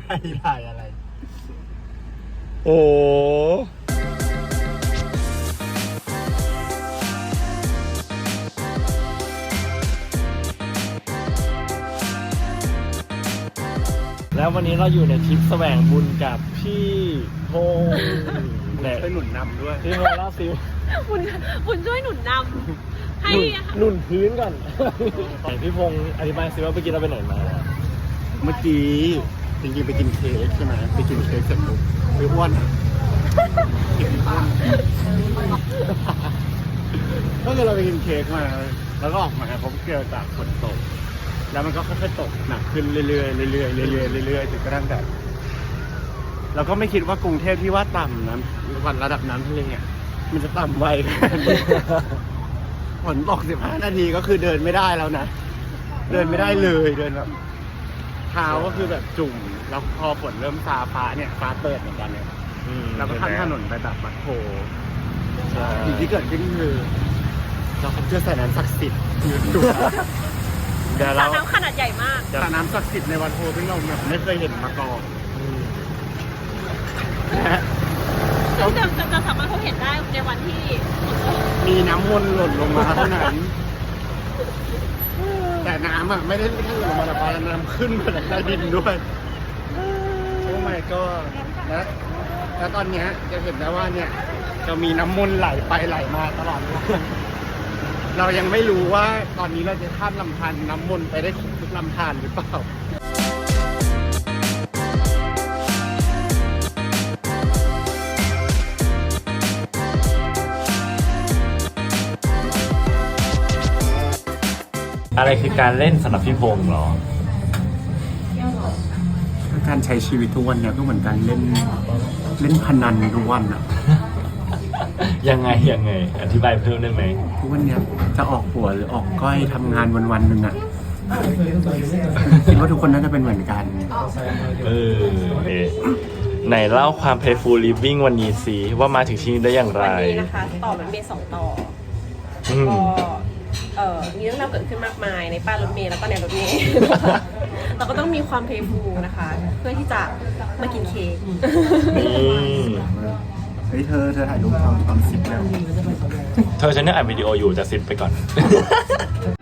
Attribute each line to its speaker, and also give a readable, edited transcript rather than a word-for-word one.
Speaker 1: ถ่ายอะไร
Speaker 2: โอ้แล้ววันนี้เราอยู่ในทริปแสวงบุญกับพี่พงษ์
Speaker 1: ช่วยหนุนนำด้วย
Speaker 2: พี่พงษ์เล่าซิ
Speaker 3: คุณช่วยหนุนนำให้
Speaker 2: หนุนพื้นก่อนพี่พงษ์อธิบายซิว่าเมื่อกี้เราไปไหนมา
Speaker 1: เมื่อกี้จริงๆไปกินเค้กใช่ไหมไปกินเค้กเสร็จปุ๊บไปอ้วนก็คือเราไปกินเค้กมาแล้วก็ออกมาผมเกิดจากฝนตกแล้วมันก็ค่อยๆตกหนักขึ้นเรื่อยๆเรื่อยๆเรื่อยๆจนกระทั่งแบบเราก็ไม่คิดว่ากรุงเทพที่ว่าต่ำนะวันระดับน้ำทะเลเนี่ยมันจะต่ำไวฝนตก15 นาทีก็คือเดินไม่ได้แล้วนะเดินไม่ได้เลยเดินแบบเท้าก็คือแบบจุ่มแล้วพอฝนเริ่มซาฟ้าเนี่ยฟ้าเปิดเหมือนกันเนี่ยเราก็ข้ามถนนไปแบบมัดโผสิ่งที่เกิดขึ้นคือเราเจอสระน้ำศักดิ์สิทธิ์อยู่
Speaker 3: สระน้ำขนาดใหญ่มาก
Speaker 1: สระน้ำศักดิ์สิทธิ์ในวัดโพซึ่งเราแบบไม่เคยเห็นมาก่อน
Speaker 3: ซึ่งจะสามารถพบเห็นได้ในวันที่
Speaker 1: มีน้ำมนต์หล่นลงมาเท่านั้นแต่น้ำอ่ะไม่ได้แค่หล่นลงมาแต่น้ำขึ้นมาจากใต้ดินด้วยโอ้ my god แล้วตอนนี้จะเห็นได้ว่าเนี่ยจะมีน้ำมนต์ไหลไปไหลมาตลอดเรายังไม่รู้ว่าตอนนี้เราจะข้ามลำธารน้ำมนต์ไปได้ครบทุกลำธารหรือเปล่า
Speaker 2: อะไรคือการเล่นสำหรับพี่พงษ์หรอ
Speaker 1: การใช้ชีวิตทุกวันเนี่ยก็เหมือนการเล่นพนันทุกวันอะ
Speaker 2: ยังไงอธิบายเพิ่มได้ไหม
Speaker 1: ทุกวันเนี้ยจะออกหัวหรือออกก้อยทำงานวันๆหนึ่งอะคิดว่าทุกคนน่าจะเป็นเหมือนกัน
Speaker 2: ไหนเล่าความ Playful Living วันนี้สิว่ามาถึงที่นี่ได้อย่างไร
Speaker 3: วันนี้นะคะต่อรถเมล์2 ต่อก็มีเรื่องราวเกิดขึ้นมากมายในป้ายรถเมล์แล้วก็ในรถเมล์เราก็ต้องมีความเพลย์ฟูลนะคะเพื่อที่จะมากินเค้ก
Speaker 1: เฮ้ยเธอถ่ายรูปตอน10แล้ว
Speaker 2: เธอฉันเนี่ยอัดวิดีโออยู่จะ10ไปก่อน